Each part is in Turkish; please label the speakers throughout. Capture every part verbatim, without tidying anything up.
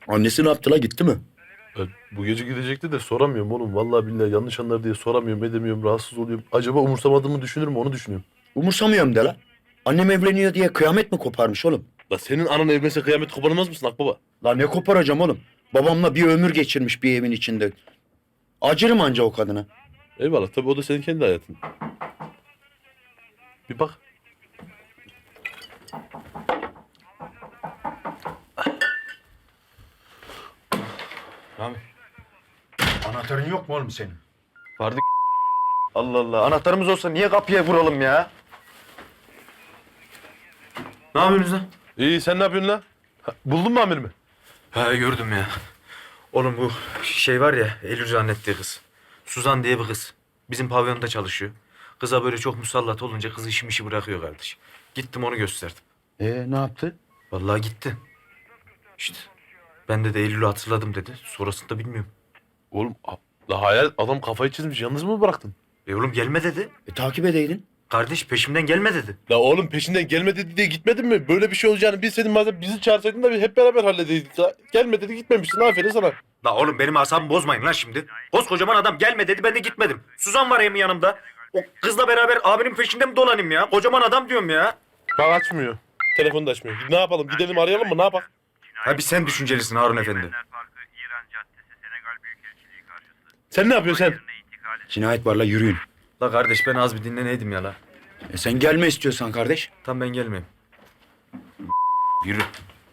Speaker 1: Annesi ne yaptı la, gitti mi?
Speaker 2: Ya, bu gece gidecekti de soramıyorum oğlum. Vallahi billahi yanlış anlar diye soramıyorum, edemiyorum, rahatsız oluyorum. Acaba umursamadığımı düşünür mü onu düşünüyorum.
Speaker 1: Umursamıyorum de la. Annem evleniyor diye kıyamet mi koparmış oğlum?
Speaker 2: La senin anan evlense kıyamet koparmaz mısın Akbaba?
Speaker 1: La ne koparacağım oğlum? Babamla bir ömür geçirmiş bir evin içinde. Acırım anca o kadına.
Speaker 2: Eyvallah, tabii o da senin kendi hayatın. Bir bak.
Speaker 1: Rami. Anahtarın yok mu oğlum senin?
Speaker 3: Vardı. Allah Allah. Anahtarımız olsa niye kapıya vuralım ya? Ne yapıyorsunuz lan?
Speaker 2: İyi, sen ne yapıyorsun lan? Ha, buldun mu amirimi?
Speaker 3: Ha gördüm ya. Oğlum bu şey var ya, Eylül zannettiği kız. Suzan diye bir kız. Bizim pavyonda çalışıyor. Kıza böyle çok musallat olunca kız işim işi bırakıyor kardeş. Gittim onu gösterdim.
Speaker 1: Ee ne yaptı?
Speaker 3: Vallahi gitti. İşte ben de, de Eylül'ü hatırladım dedi. Sonrasını da bilmiyorum.
Speaker 2: Oğlum a- la hayal, adam kafayı çizmiş, yalnız mı bıraktın?
Speaker 3: E oğlum gelme dedi.
Speaker 1: E takip edeydin.
Speaker 3: Kardeş peşimden gelme dedi.
Speaker 2: La oğlum peşinden gelme dedi diye gitmedin mi? Böyle bir şey olacağını bilseydin madem bizi çağırsaydın da bir hep beraber halledeydik. La, gelme dedi gitmemişsin, aferin sana.
Speaker 3: La oğlum benim asabımı bozmayın lan şimdi. Koskocaman adam gelme dedi, ben de gitmedim. Suzan var hem yanımda. O kızla beraber abinin peşinde mi dolanayım ya? Kocaman adam diyorum ya.
Speaker 2: Bak açmıyor. Telefonu da açmıyor. Ne yapalım, gidelim arayalım mı, ne yapalım?
Speaker 3: Ha bir sen düşüncelisin Harun Efendi.
Speaker 4: Parkı, İran Caddesi, Senegal Büyükelçiliği karşısı.
Speaker 2: Sen ne yapıyorsun sen?
Speaker 1: Cinayet var la, yürüyün.
Speaker 3: La kardeş ben az bir dinleneydim ya la.
Speaker 1: E sen gelme istiyorsan kardeş.
Speaker 3: Tam ben gelmeyeyim. Yürü.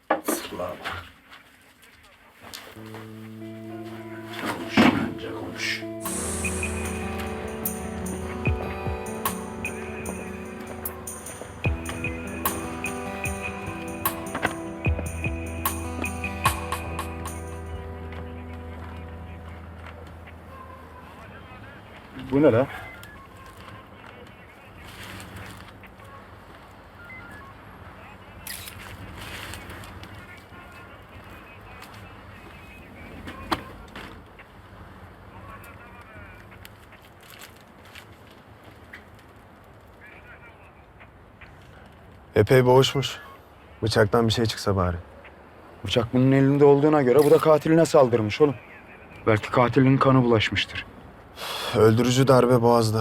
Speaker 1: Konuş anca konuş. Bu ne la?
Speaker 5: Epey boğuşmuş. Bıçaktan bir şey çıksa bari.
Speaker 1: Bıçak bunun elinde olduğuna göre bu da katiline saldırmış oğlum. Belki katilinin kanı bulaşmıştır.
Speaker 5: Öldürücü darbe boğazda.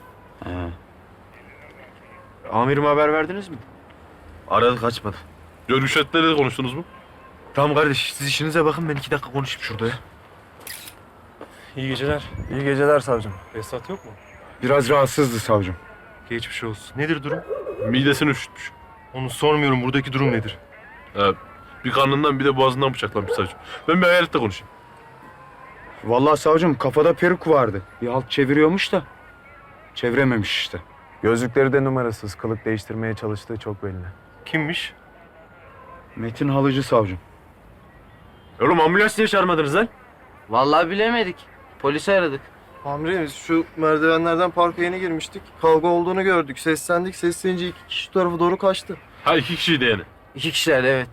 Speaker 3: Amirim haber verdiniz mi? Aradık açmadı.
Speaker 2: Görüşetleri konuştunuz mu?
Speaker 3: Tamam kardeş siz işinize bakın, ben iki dakika konuşayım şurada ya.
Speaker 6: İyi geceler.
Speaker 5: İyi geceler savcım.
Speaker 6: Esat yok mu?
Speaker 1: Biraz rahatsızdı savcım.
Speaker 6: Geçmiş olsun. Nedir durum?
Speaker 2: Midesini üşütmüş.
Speaker 6: Onu sormuyorum. Buradaki durum nedir?
Speaker 2: Ee, bir karnından bir de boğazından bıçaklanmış savcım. Ben bir hayaletle konuşayım.
Speaker 1: Vallahi savcım kafada peruk vardı. Bir halt çeviriyormuş da çevirememiş işte.
Speaker 5: Gözlükleri de numarasız. Kılık değiştirmeye çalıştığı çok belli.
Speaker 6: Kimmiş?
Speaker 1: Metin Halıcı savcım.
Speaker 3: Oğlum ambulans niye çağırmadınız lan?
Speaker 7: Vallahi bilemedik. Polisi aradık.
Speaker 8: Amirim şu merdivenlerden parka yeni girmiştik. Kavga olduğunu gördük. Seslendik. Seslenince iki kişi şu tarafa doğru kaçtı.
Speaker 2: Ha iki kişiydi yani.
Speaker 7: İki kişiler evet.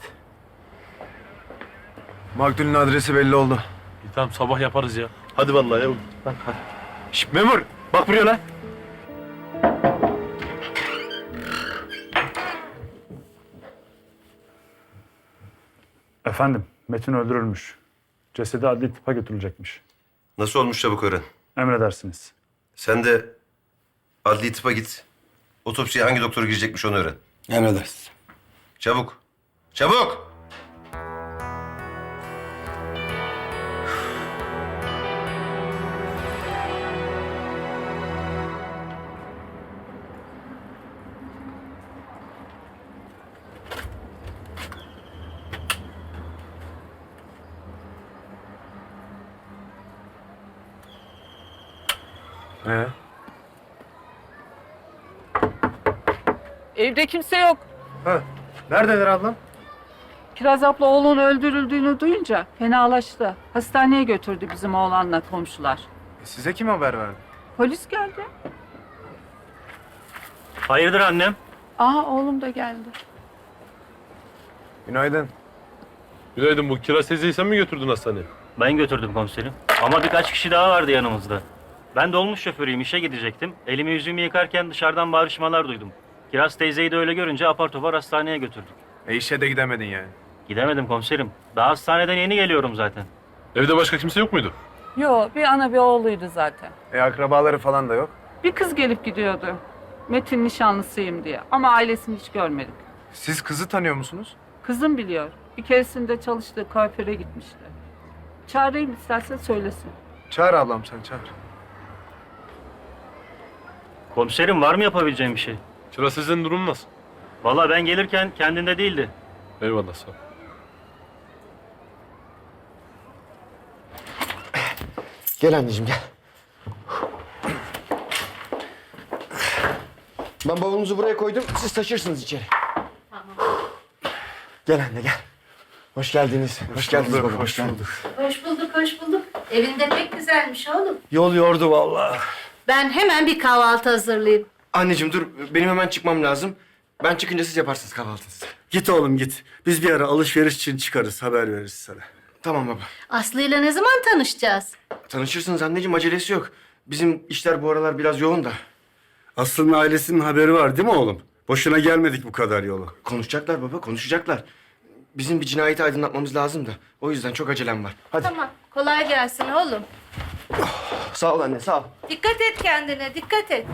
Speaker 5: Maktulün adresi belli oldu.
Speaker 2: İyi, tamam sabah yaparız ya. Hadi vallahi ya.
Speaker 3: Şşt memur bak buraya lan.
Speaker 9: Efendim, Metin öldürülmüş. Cesedi adli tıpa götürülecekmiş.
Speaker 10: Nasıl olmuş çabuk öğren.
Speaker 9: Emredersiniz.
Speaker 10: Sen de adli tıpa git. Otopsiye hangi doktor girecekmiş onu öğren.
Speaker 1: Emredersiniz.
Speaker 10: Çabuk. Çabuk!
Speaker 5: Ee?
Speaker 11: Evde kimse yok.
Speaker 5: Neredeler ablam?
Speaker 11: Kiraz abla oğlunun öldürüldüğünü duyunca fenalaştı. Hastaneye götürdü bizim oğlanla komşular.
Speaker 5: Size kim haber verdi?
Speaker 11: Polis geldi.
Speaker 6: Hayırdır annem?
Speaker 11: Aa oğlum da geldi.
Speaker 5: Günaydın.
Speaker 2: Günaydın, bu Kiraz teyzeyi sen mi götürdün hastaneye?
Speaker 6: Ben götürdüm komiserim. Ama birkaç kişi daha vardı yanımızda. Ben dolmuş şoförüyüm, işe gidecektim. Elimi yüzümü yıkarken dışarıdan bağırışmalar duydum. Kiraz teyzeyi de öyle görünce apar topar hastaneye götürdük.
Speaker 5: E işe de gidemedin yani.
Speaker 6: Gidemedim komiserim. Daha hastaneden yeni geliyorum zaten.
Speaker 2: Evde başka kimse yok muydu?
Speaker 11: Yo, bir ana bir oğluydu zaten.
Speaker 5: E akrabaları falan da yok.
Speaker 11: Bir kız gelip gidiyordu. Metin nişanlısıyım diye. Ama ailesini hiç görmedik.
Speaker 5: Siz kızı tanıyor musunuz?
Speaker 11: Kızım biliyor. Bir keresinde çalıştığı kuaföre gitmişti. Çağırayım istersen söylesin.
Speaker 5: Çağır ablam sen çağır.
Speaker 6: Komiserim var mı yapabileceğim bir şey?
Speaker 2: Çıra sizin durum nasıl?
Speaker 6: Vallahi ben gelirken kendinde değildi.
Speaker 2: Eyvallah sağ ol.
Speaker 8: Gel anneciğim gel. Ben bavulunuzu buraya koydum. Siz taşırsınız içeri. Tamam. Gel anne gel. Hoş geldiniz. Hoş, geldiniz baba. Hoş bulduk.
Speaker 12: Hoş bulduk, hoş bulduk. Evinde pek güzelmiş oğlum.
Speaker 8: Yol yordu vallahi.
Speaker 12: Ben hemen bir kahvaltı hazırlayayım.
Speaker 8: Anneciğim dur. Benim hemen çıkmam lazım. Ben çıkınca siz yaparsınız kahvaltınızı.
Speaker 1: Git oğlum git. Biz bir ara alışveriş için çıkarız. Haber veririz sana.
Speaker 8: Tamam baba.
Speaker 12: Aslı'yla ne zaman tanışacağız?
Speaker 8: Tanışırsınız anneciğim. Acelesi yok. Bizim işler bu aralar biraz yoğun da.
Speaker 1: Aslı'nın ailesinin haberi var değil mi oğlum? Boşuna gelmedik bu kadar yolu.
Speaker 8: Konuşacaklar baba, konuşacaklar. Bizim bir cinayeti aydınlatmamız lazım da. O yüzden çok acelem var. Hadi.
Speaker 12: Tamam, kolay gelsin oğlum.
Speaker 8: Sağ ol anne, sağ ol.
Speaker 12: Dikkat et kendine, dikkat et.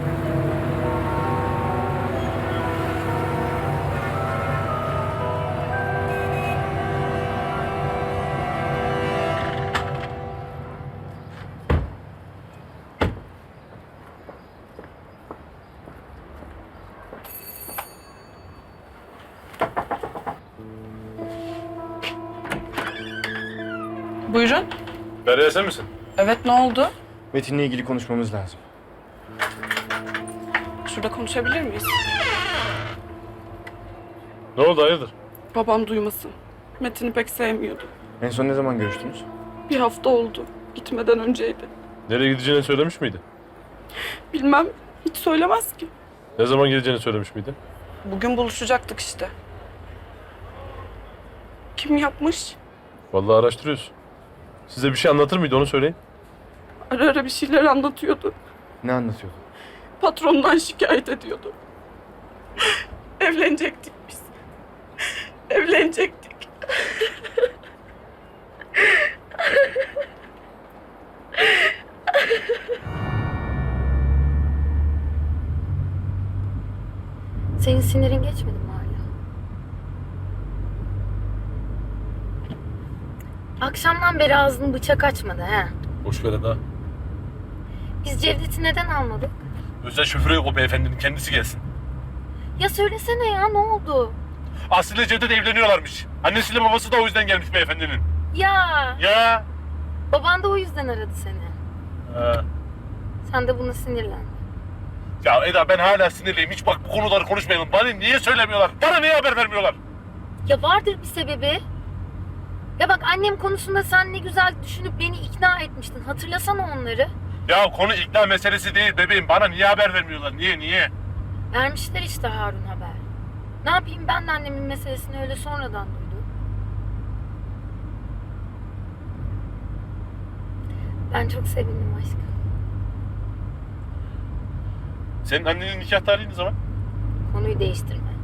Speaker 11: Buyurun.
Speaker 2: Derya sen misin?
Speaker 11: Evet, ne oldu?
Speaker 8: Metin'le ilgili konuşmamız lazım.
Speaker 11: Şurada konuşabilir miyiz?
Speaker 2: Ne oldu hayırdır?
Speaker 11: Babam duymasın. Metin'i pek sevmiyordu.
Speaker 8: En son ne zaman görüştünüz?
Speaker 11: Bir hafta oldu. Gitmeden önceydi.
Speaker 2: Nereye gideceğini söylemiş miydi?
Speaker 11: Bilmem, hiç söylemez ki.
Speaker 2: Ne zaman geleceğini söylemiş miydi?
Speaker 11: Bugün buluşacaktık işte. Kim yapmış?
Speaker 2: Vallahi araştırıyoruz. Size bir şey anlatır mıydı onu söyleyin.
Speaker 11: Ara ara bir şeyler anlatıyordu.
Speaker 8: Ne anlatıyordu?
Speaker 11: Patrondan şikayet ediyordu. Evlenecektik biz. Evlenecektik.
Speaker 12: Senin sinirin geçmedi mi hala? Akşamdan beri ağzını bıçak açmadı he.
Speaker 2: Boş ver daha.
Speaker 12: Biz Cevdet'i neden almadık?
Speaker 2: Özel şoförü yok o beyefendinin, kendisi gelsin.
Speaker 12: Ya söylesene ya, ne oldu?
Speaker 2: Aslı ile Cevdet evleniyorlarmış. Annesiyle babası da o yüzden gelmiş beyefendinin.
Speaker 12: Ya
Speaker 2: Ya.
Speaker 12: baban da o yüzden aradı seni.
Speaker 2: Ha.
Speaker 12: Sen de buna sinirlendin.
Speaker 2: Ya Eda ben hala sinirliyim. Hiç bak bu konuları konuşmayalım. Bana niye söylemiyorlar? Bana niye haber vermiyorlar?
Speaker 12: Ya vardır bir sebebi. Ya bak annem konusunda sen ne güzel düşünüp beni ikna etmiştin. Hatırlasana onları.
Speaker 2: Ya konu ikna meselesi değil bebeğim. Bana niye haber vermiyorlar? Niye niye?
Speaker 12: Vermişler işte Harun haber. Ne yapayım, ben de annemin meselesini öyle sonradan duydum. Ben çok sevindim aşkım.
Speaker 2: Senin annenin nikah tarihi ne zaman?
Speaker 12: Konuyu değiştirme.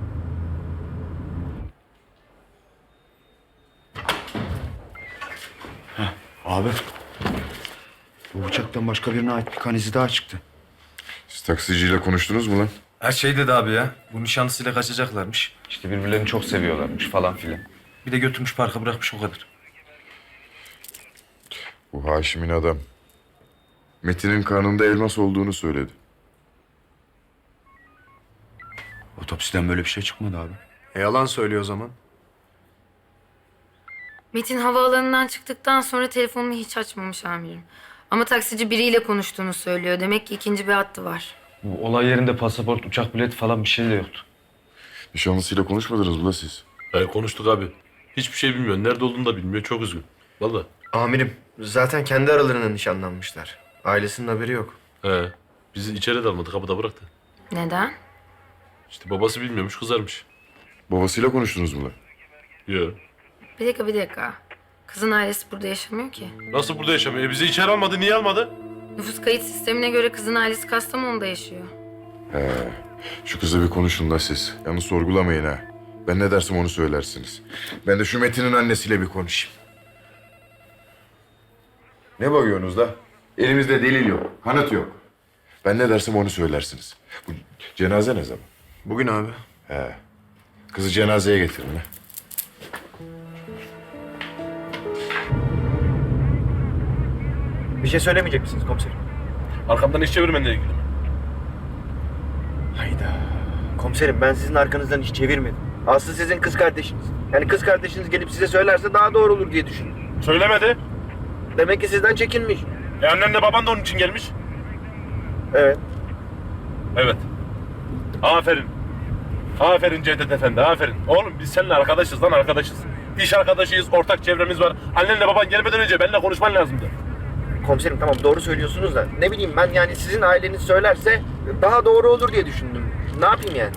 Speaker 1: Abi. Bu bıçaktan başka birine ait bir kan izi daha çıktı.
Speaker 10: Siz taksiciyle konuştunuz mu lan?
Speaker 3: Her şey dedi abi ya. Bu nişanlısıyla kaçacaklarmış. İşte birbirlerini çok seviyorlarmış falan filan. Bir de götürmüş parka bırakmış o kadar.
Speaker 10: Bu Haşim'in adam. Metin'in karnında elmas olduğunu söyledi.
Speaker 1: Otopsiden böyle bir şey çıkmadı abi.
Speaker 5: E yalan söylüyor o zaman.
Speaker 12: Metin havaalanından çıktıktan sonra telefonunu hiç açmamış amirim. Ama taksici biriyle konuştuğunu söylüyor. Demek ki ikinci bir hattı var.
Speaker 3: Bu olay yerinde pasaport, uçak bileti falan bir şey de yoktu.
Speaker 10: Nişanlısıyla konuşmadınız mı la siz?
Speaker 2: He konuştuk abi. Hiçbir şey bilmiyor. Nerede olduğunu da bilmiyor. Çok üzgün. Vallahi.
Speaker 8: Amirim, zaten kendi aralarında nişanlanmışlar. Ailesinin haberi yok.
Speaker 2: He. Bizi içeri de almadı. Kapıda bıraktı.
Speaker 12: Neden?
Speaker 2: İşte babası bilmiyormuş. Kızarmış.
Speaker 10: Babasıyla konuştunuz mu lan?
Speaker 2: Yok.
Speaker 12: Bir dakika bir dakika. Kızın ailesi burada yaşamıyor ki.
Speaker 2: Nasıl burada yaşamıyor? E bizi içeri almadı. Niye almadı?
Speaker 12: Nüfus kayıt sistemine göre kızın ailesi Kastamonu'da yaşıyor.
Speaker 10: He. Şu kızla bir konuşun la siz. Yalnız sorgulamayın ha.
Speaker 13: Ben ne dersem onu söylersiniz. Ben de şu Metin'in annesiyle bir konuşayım. Ne bakıyorsunuz da? Elimizde delil yok, kanıt yok. Ben ne dersem onu söylersiniz. Bu cenaze ne zaman?
Speaker 5: Bugün abi.
Speaker 13: He. Kızı cenazeye getirin ha.
Speaker 8: Bir şey söylemeyecek misiniz komiserim?
Speaker 2: Arkamdan iş çevirmenle ilgili mi?
Speaker 8: Hayda. Komiserim ben sizin arkanızdan hiç çevirmedim. Aslı sizin kız kardeşiniz. Yani kız kardeşiniz gelip size söylerse daha doğru olur diye düşündüm.
Speaker 2: Söylemedi.
Speaker 8: Demek ki sizden çekinmiş.
Speaker 2: E annenle baban da onun için gelmiş.
Speaker 8: Evet.
Speaker 2: Evet. Aferin. Aferin Cevdet Efendi, aferin. Oğlum biz seninle arkadaşız lan, arkadaşız. İş arkadaşıyız, ortak çevremiz var. Annenle baban gelmeden önce benimle konuşman lazımdı.
Speaker 8: Komiserim tamam doğru söylüyorsunuz da ne bileyim ben yani sizin aileniz söylerse daha doğru olur diye düşündüm. Ne yapayım yani?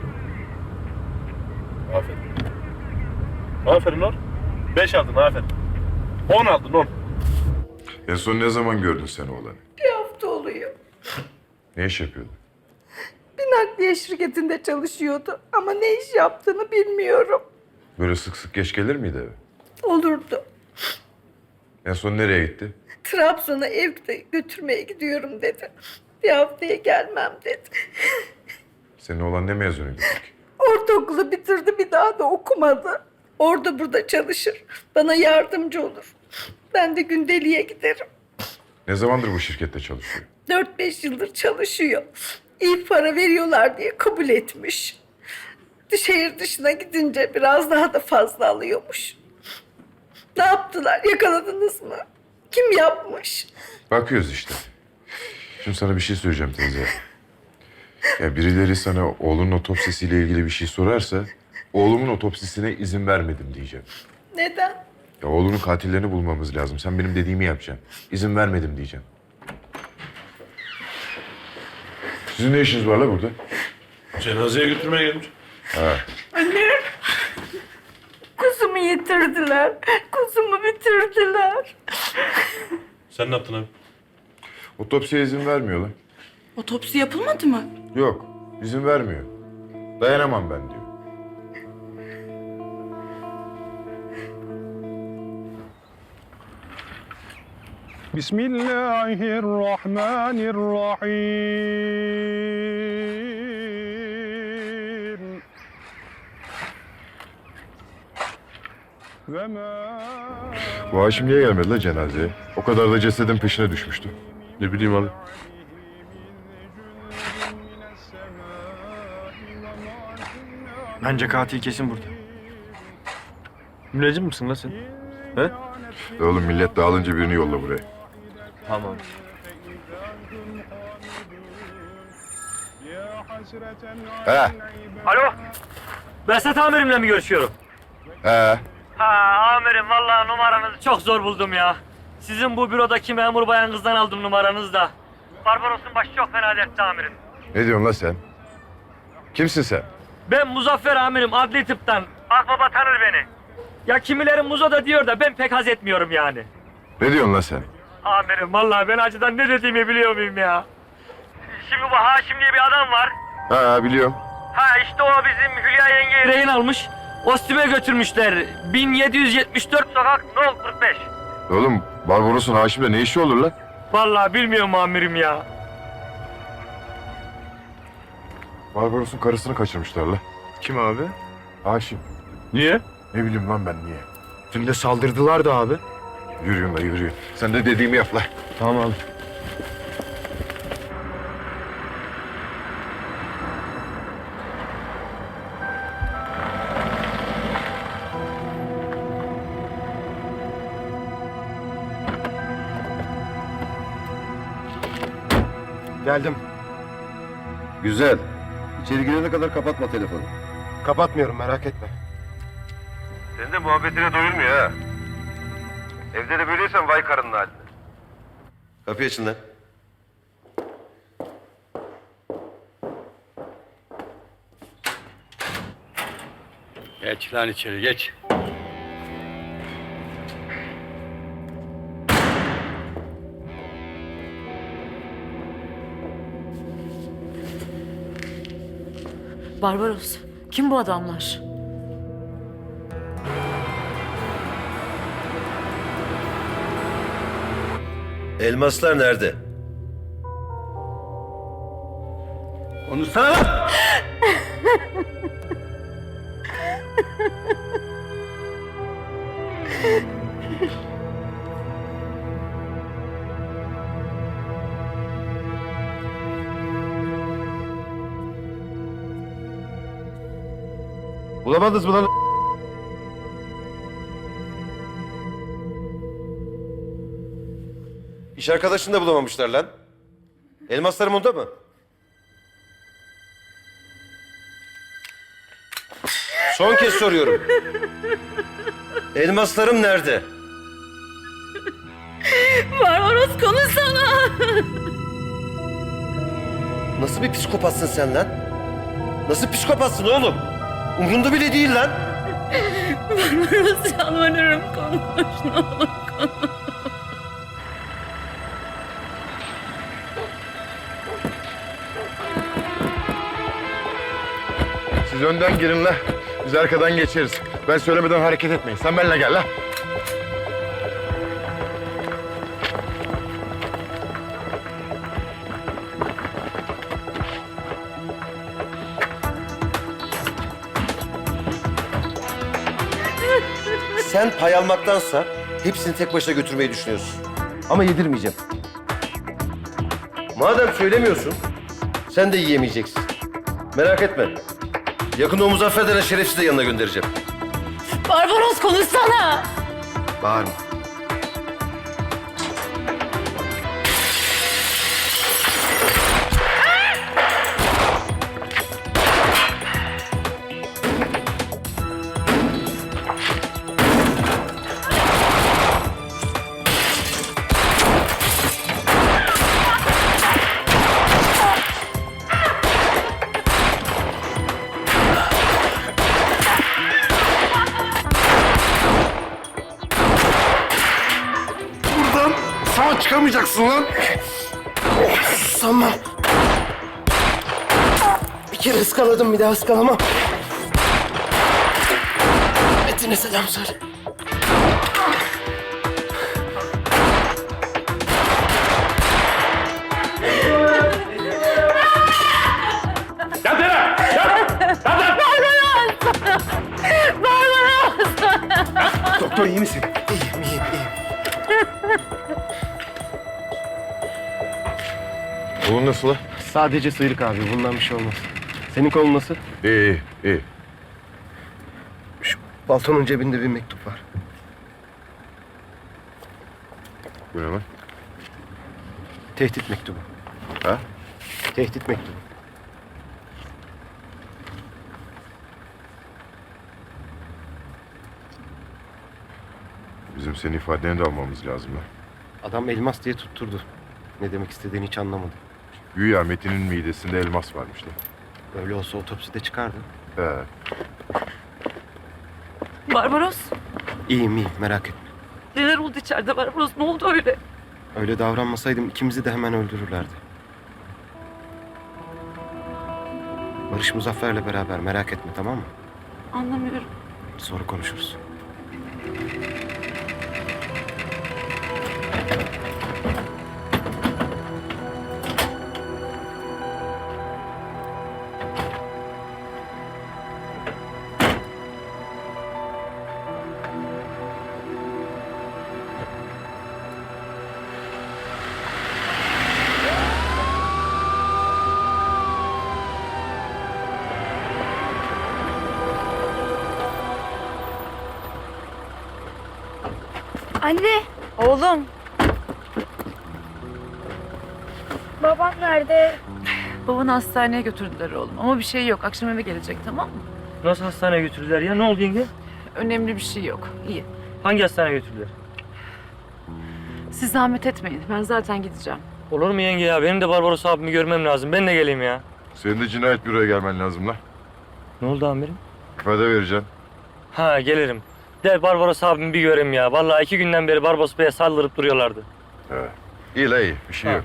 Speaker 2: Aferin. Aferin oğlum. Beş aldın, aferin. On aldın, on.
Speaker 13: En son ne zaman gördün sen oğlanı?
Speaker 11: Bir hafta oluyor.
Speaker 13: Ne iş yapıyordu?
Speaker 11: Bir nakliye şirketinde çalışıyordu ama ne iş yaptığını bilmiyorum.
Speaker 13: Böyle sık sık geç gelir miydi eve?
Speaker 11: Olurdu.
Speaker 13: En son nereye gitti?
Speaker 11: Trabzon'a evde götürmeye gidiyorum dedi. Bir haftaya gelmem dedi.
Speaker 13: Senin oğlan ne mezunuydu peki?
Speaker 11: Ortaokulu bitirdi bir daha da okumadı. Orada burada çalışır. Bana yardımcı olur. Ben de gündeliğe giderim.
Speaker 13: Ne zamandır bu şirkette çalışıyor?
Speaker 11: Dört beş yıldır çalışıyor. İyi para veriyorlar diye kabul etmiş. Şehir dışına gidince biraz daha da fazla alıyormuş. Ne yaptılar? Yakaladınız mı? Kim yapmış?
Speaker 13: Bakıyoruz işte. Şimdi sana bir şey söyleyeceğim teyze. Ya birileri sana oğlunun otopsisiyle ilgili bir şey sorarsa... ...oğlumun otopsisine izin vermedim diyeceğim.
Speaker 11: Neden?
Speaker 13: Ya oğlunun katillerini bulmamız lazım. Sen benim dediğimi yapacaksın. İzin vermedim diyeceğim. Sizin ne işiniz var la burada?
Speaker 2: Cenazeye götürmeye gelmiş.
Speaker 13: Ha.
Speaker 11: Anne. Kuzumu yitirdiler. Kuzumu bitirdiler.
Speaker 2: Sen ne yaptın abi?
Speaker 13: Otopsiye izin vermiyorlar.
Speaker 11: Otopsi yapılmadı mı?
Speaker 13: Yok, izin vermiyor. Dayanamam ben diyor.
Speaker 9: Bismillahirrahmanirrahim. Ve ma
Speaker 13: Bu Haşim niye gelmedi la cenazeye? O kadar da cesedin peşine düşmüştü.
Speaker 2: Ne bileyim abi.
Speaker 8: Bence katil kesin burada.
Speaker 3: Müneccim misin lan sen? He?
Speaker 13: E oğlum millet dağılınca birini yolla buraya.
Speaker 3: Tamam.
Speaker 13: He,
Speaker 6: Alo. Behzat amirimle mi görüşüyorum?
Speaker 13: he.
Speaker 6: Ha amirim vallahi numaranızı çok zor buldum ya. Sizin bu bürodaki memur bayan kızdan aldım numaranızı da. Barbaros'un başı çok fena dertte amirim.
Speaker 13: Ne diyorsun la sen? Kimsin sen?
Speaker 6: Ben Muzaffer amirim adli tıptan. Akbaba tanır beni. Ya kimilerin Muzo da diyor da ben pek haz etmiyorum yani.
Speaker 13: Ne diyorsun la sen?
Speaker 6: Amirim vallahi ben acıdan ne dediğimi biliyor muyum ya? Şimdi bu Haşim diye bir adam var.
Speaker 13: Ha biliyorum.
Speaker 6: Ha işte o bizim Hülya yengeyi rehin almış. Ostime götürmüşler. bin yedi yüz yetmiş dört sokak No kırk beş.
Speaker 13: Oğlum Barbaros'un Haşim'le ne işi olur lan?
Speaker 6: Vallahi bilmiyorum amirim ya.
Speaker 13: Barbaros'un karısını kaçırmışlar la.
Speaker 5: Kim abi?
Speaker 13: Haşim.
Speaker 2: Niye?
Speaker 13: Ne bileyim lan ben niye?
Speaker 1: Dün de saldırdılar da abi.
Speaker 13: Yürüyün la yürüyün. Sen de dediğimi yap la.
Speaker 1: Tamam abi.
Speaker 8: Geldim.
Speaker 10: Güzel. İçeri girene kadar kapatma telefonu.
Speaker 8: Kapatmıyorum merak etme.
Speaker 10: Senin de muhabbetine doyulmuyor ha. Evde de böyleysen vay karının haline. Kapıyı açın lan.
Speaker 9: Geç lan içeri geç.
Speaker 11: Barbaros, kim bu adamlar?
Speaker 10: Elmaslar nerede?
Speaker 1: Konuşsana lan!
Speaker 10: Bulamadınız mı lan? İş arkadaşını da bulamamışlar lan. Elmaslarım onda mı? Son kez soruyorum. Elmaslarım nerede?
Speaker 11: Barbaros konuşsana.
Speaker 10: Nasıl bir psikopatsın sen lan? Nasıl psikopatsın oğlum? Umrunda bile değil lan.
Speaker 11: Barbaros yalvarırım konuş ne olur konuş.
Speaker 13: Siz önden girin la. Biz arkadan geçeriz. Ben söylemeden hareket etmeyin. Sen benimle gel la.
Speaker 10: Sen pay almaktansa hepsini tek başına götürmeyi düşünüyorsun. Ama yedirmeyeceğim. Madem söylemiyorsun, sen de yiyemeyeceksin. Merak etme. Yakında o Muzaffer denen şerefsizi de yanına göndereceğim.
Speaker 11: Barbaros konuşsana.
Speaker 10: Bağırma.
Speaker 13: Sağ çıkamayacaksın lan.
Speaker 8: Sanmam. Bir kere ıskaladım bir daha ıskalamam. Metin'e selam söyle.
Speaker 2: Gel Tere! Gel! Gel lan!
Speaker 1: Doktor iyi misin?
Speaker 8: İyiyim, iyiyim, iyiyim.
Speaker 13: Oğlum nasıl la?
Speaker 8: Sadece sıyrık abi, bundan bir şey olmaz. Senin kolun nasıl?
Speaker 13: İyi, iyi, iyi.
Speaker 8: Şu paltonun cebinde bir mektup var.
Speaker 13: Bu ne lan?
Speaker 8: Tehdit mektubu.
Speaker 13: Ha?
Speaker 8: Tehdit mektubu.
Speaker 13: Bizim senin ifadeni de almamız lazım lan.
Speaker 8: Adam elmas diye tutturdu. Ne demek istediğini hiç anlamadım.
Speaker 13: Güya Metin'in midesinde elmas varmış lan.
Speaker 8: Öyle olsa otopside çıkardı.
Speaker 13: He.
Speaker 11: Barbaros.
Speaker 8: İyiyim, iyiyim, merak etme.
Speaker 11: Neler oldu içeride Barbaros? Ne oldu öyle?
Speaker 8: Öyle davranmasaydım ikimizi de hemen öldürürlerdi. Barış Muzaffer'le beraber, merak etme, tamam mı?
Speaker 11: Anlamıyorum.
Speaker 8: Sonra konuşuruz.
Speaker 12: Anne,
Speaker 11: Oğlum.
Speaker 12: babam nerede?
Speaker 11: Babanı hastaneye götürdüler oğlum. Ama bir şey yok. Akşam eve gelecek, tamam mı?
Speaker 6: Nasıl hastaneye götürdüler ya? Ne oldu yenge?
Speaker 11: Önemli bir şey yok. İyi.
Speaker 6: Hangi hastaneye götürdüler?
Speaker 11: Siz zahmet etmeyin. Ben zaten gideceğim.
Speaker 6: Olur mu yenge ya? Benim de Barbaros abimi görmem lazım. Ben de geleyim ya.
Speaker 13: Senin de cinayet büroya gelmen lazım lan.
Speaker 6: Ne oldu amirim?
Speaker 13: İfade vereceksin.
Speaker 6: Ha gelirim. De Barbaros abimi bir göreyim ya. Vallahi iki günden beri Barbaros Bey'e saldırıp duruyorlardı.
Speaker 13: He. İyi la iyi. Bir şey
Speaker 6: Ha.
Speaker 13: yok.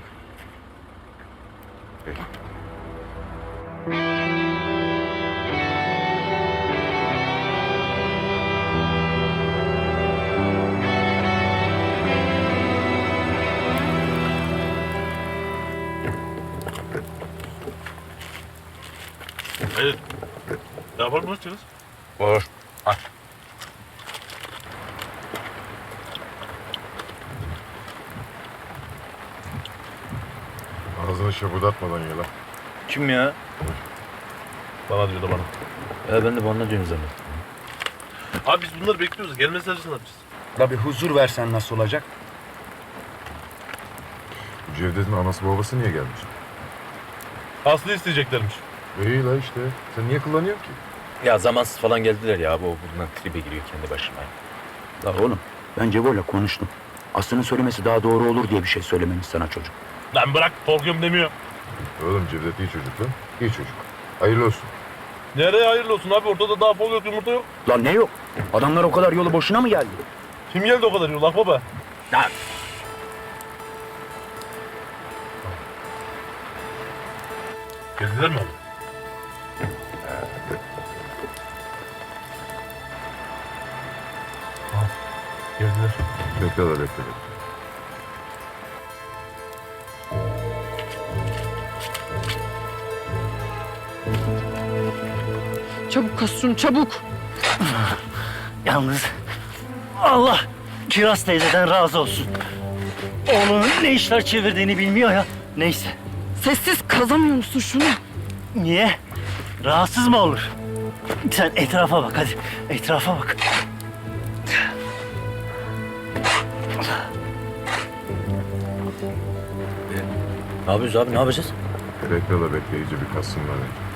Speaker 13: İyi.
Speaker 2: yapalım mı Çıngız?
Speaker 3: Olur.
Speaker 13: Ağzını şapırdatmadan ye lan.
Speaker 3: Kim ya?
Speaker 2: Bana diyordu bana.
Speaker 3: Ya ben de bana diyorum zannettim.
Speaker 2: Abi biz bunları bekliyoruz. Gelmezler ne yapacağız?
Speaker 1: La bir huzur versen nasıl olacak?
Speaker 13: Bu Cevdet'in anası babası niye gelmiş?
Speaker 2: Aslı isteyeceklermiş.
Speaker 13: İyi la işte. Sen niye kullanıyorsun ki?
Speaker 3: Ya zamansız falan geldiler ya. Bu bundan tribe giriyor kendi başına.
Speaker 1: La oğlum ben Cevo'yla konuştum. Aslı'nın söylemesi daha doğru olur diye bir şey söylememiş sana çocuk.
Speaker 2: Lan bırak korkuyorum demiyor.
Speaker 13: Oğlum Cevdet iyi çocuk lan. İyi çocuk. Hayırlı olsun.
Speaker 2: Nereye hayırlı olsun abi? Ortada daha fol yok, yumurta yok.
Speaker 1: Lan ne yok? Adamlar o kadar yolu boşuna mı geldi?
Speaker 2: Kim geldi o kadar yol akbaba?
Speaker 1: Lan
Speaker 2: Geldiler mi abi? Ha, geldiler.
Speaker 13: Bekle la bekle. bekle.
Speaker 6: Çabuk Kasun çabuk. Yalnız Allah Kiraz teyzeden razı olsun. Oğlunun ne işler çevirdiğini bilmiyor ya. Neyse.
Speaker 11: Sessiz kazamıyor musun şunu?
Speaker 6: Niye? Rahatsız mı olur? Sen etrafa bak hadi. Etrafa bak.
Speaker 3: Ne yapıyoruz abi? Ne yapacağız?
Speaker 13: Bekle la bekle. İyice bir kassınlar.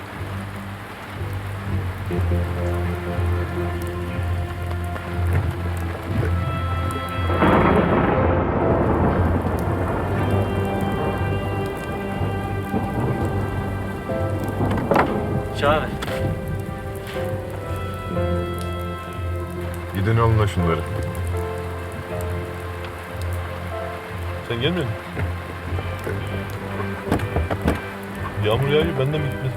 Speaker 6: Çağır.
Speaker 13: Gidin alın la şunları.
Speaker 2: Sen gelmiyor musun? Yağmur yağıyor, benden mi gitmez?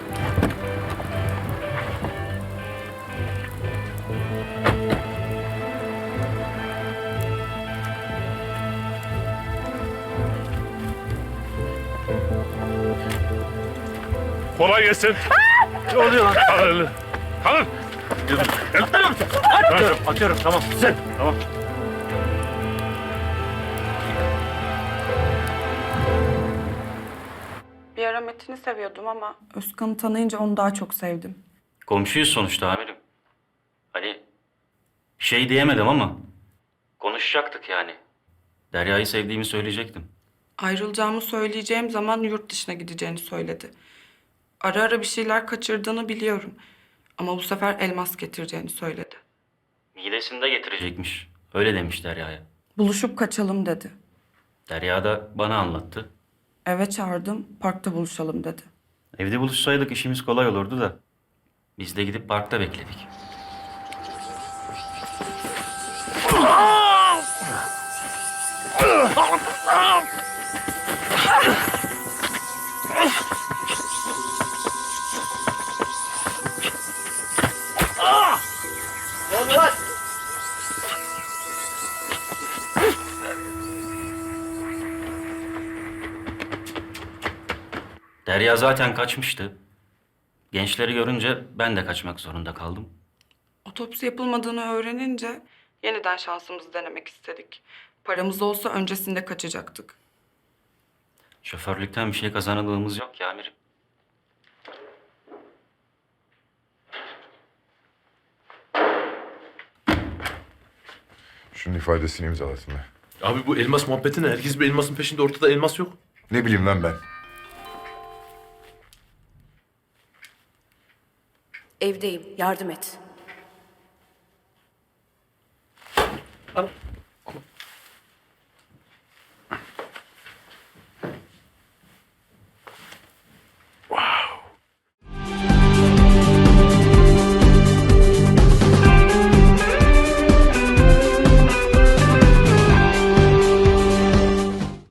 Speaker 2: Kolay gelsin.
Speaker 6: Ne oluyor lan?
Speaker 2: Kalın. Kalın.
Speaker 6: Atıyorum, atıyorum. Tamam, sen. Tamam.
Speaker 11: Bir ara Metin'i seviyordum ama Özkan'ı tanıyınca onu daha çok sevdim.
Speaker 6: Komşuyuz sonuçta amirim. Hani şey diyemedim ama konuşacaktık yani. Derya'yı sevdiğimi söyleyecektim.
Speaker 11: Ayrılacağımı söyleyeceğim zaman yurt dışına gideceğini söyledi. Ara ara bir şeyler kaçırdığını biliyorum. Ama bu sefer elmas getireceğini söyledi.
Speaker 6: Midesinde getirecekmiş. Öyle demiş Derya'ya.
Speaker 11: Buluşup kaçalım dedi.
Speaker 6: Derya da bana anlattı.
Speaker 11: Eve çağırdım, parkta buluşalım dedi.
Speaker 6: Evde buluşsaydık işimiz kolay olurdu da. Biz de gidip parkta bekledik. Derya zaten kaçmıştı. Gençleri görünce ben de kaçmak zorunda kaldım.
Speaker 11: Otopsi yapılmadığını öğrenince yeniden şansımızı denemek istedik. Paramız olsa öncesinde kaçacaktık.
Speaker 6: Şoförlükten bir şey kazanıldığımız yok ya amirim.
Speaker 13: Şunun ifadesini imzalasın be.
Speaker 2: Abi bu elmas muhabbeti ne? Herkes bir elmasın peşinde, ortada elmas yok.
Speaker 13: Ne bileyim lan ben.
Speaker 11: Evdeyim, yardım et.
Speaker 6: Al.